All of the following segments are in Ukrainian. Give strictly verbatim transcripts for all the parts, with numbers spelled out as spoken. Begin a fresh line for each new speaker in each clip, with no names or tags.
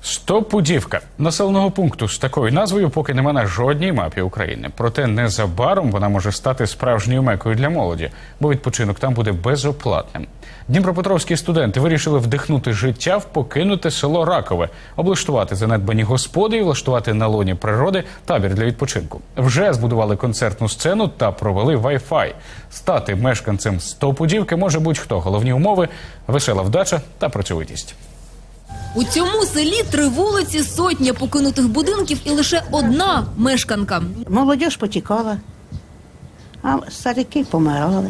Стопудівка. Населеного пункту з такою назвою поки нема на жодній мапі України. Проте незабаром вона може стати справжньою мекою для молоді, бо відпочинок там буде безоплатним. Дніпропетровські студенти вирішили вдихнути життя в покинуте село Ракове, облаштувати занедбані господи і влаштувати на лоні природи табір для відпочинку. Вже збудували концертну сцену та провели вай-фай. Стати мешканцем Стопудівки може будь-хто. Головні умови – весела вдача та працьовитість.
У цьому селі три вулиці, сотня покинутих будинків і лише одна мешканка.
Молодь потікала, а старики помирали.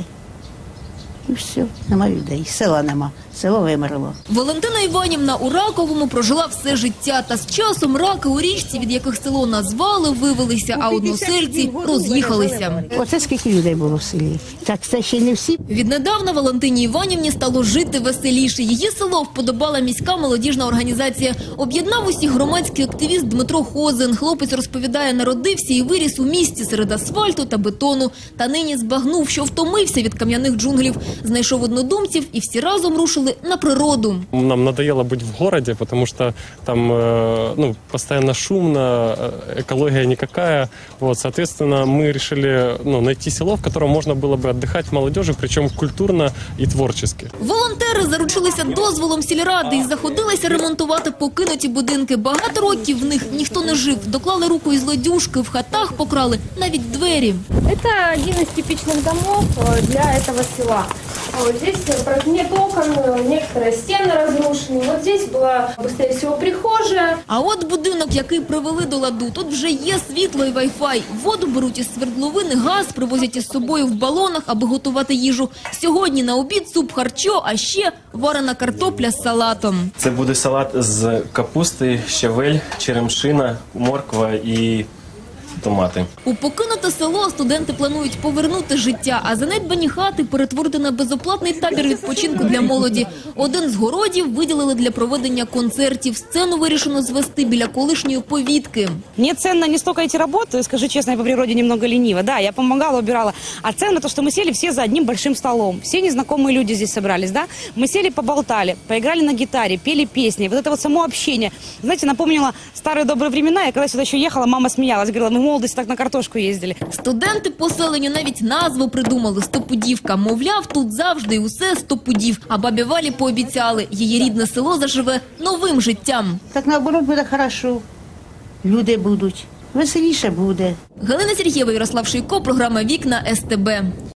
І все, нема людей, села нема, село вимерло.
Валентина Іванівна у Раковому прожила все життя. Та з часом раки у річці, від яких село назвали, вивелися, а односельці роз'їхалися.
Оце скільки людей було в селі. Так це ще не всі.
Віднедавна Валентині Іванівні стало жити веселіше. Її село вподобала міська молодіжна організація. Об'єднав усіх громадський активіст Дмитро Хозин. Хлопець розповідає, народився і виріс у місті серед асфальту та бетону. Та нині збагнув, що втомився від кам'яних джунглів. Знайшов однодумців і всі разом рушили на природу.
Нам надоело быть в городе, потому что там ну, постоянно шумно, экология никакая. Вот, соответственно, мы решили ну, найти село, в котором можно было бы отдыхать молодежи, причем культурно и творчески.
Волонтери заручилися дозволом сільради і заходилися ремонтувати покинуті будинки. Багато років в них ніхто не жив. Доклали руку із лодюжки, в хатах покрали навіть двері.
Это один из типичных домов для этого села. Вот здесь нет окон, некоторые стены разрушены. Вот здесь была, быстрее всего, прихожая.
А от будинок, який привели до ладу, тут вже є світло і вай-фай. Воду беруть із свердловини, газ привозять із собою в балонах, аби готувати їжу. Сьогодні на обід суп харчо, а ще варена картопля з салатом.
Це буде салат з капусти, щавель, черемшина, морква і томати.
У покинуте село студенти планують повернути життя, а занедбані хати перетворити на безоплатний табір відпочинку для молоді. Один з городів виділили для проведення концертів. Сцену вирішено звести біля колишньої повітки.
Мне ценно не столько эти работы, скажу честно, я по природе немного ленива. Да, я помогала, убирала. А ценно то, что мы сели все за одним большим столом. Все незнакомые люди здесь собрались, да? Мы сели, поболтали, поиграли на гитаре, пели песни. Вот это вот само общение, знаете, напомнило старые добрые времена. Я когда сюда еще ехала, мама смеялась, говорила, мы в молодости так на картошку ездили.
Студенти поселенню навіть назву придумали – Стопудівка. Мовляв, тут завжди і усе стопудів. А бабі Валі пообіцяли – її рідне село заживе новим життям.
Так наоборот буде хорошо. Люди будуть, веселіше буде.
Галина Сергієва, Ярослав Шийко, програма «Вікна ес те бе».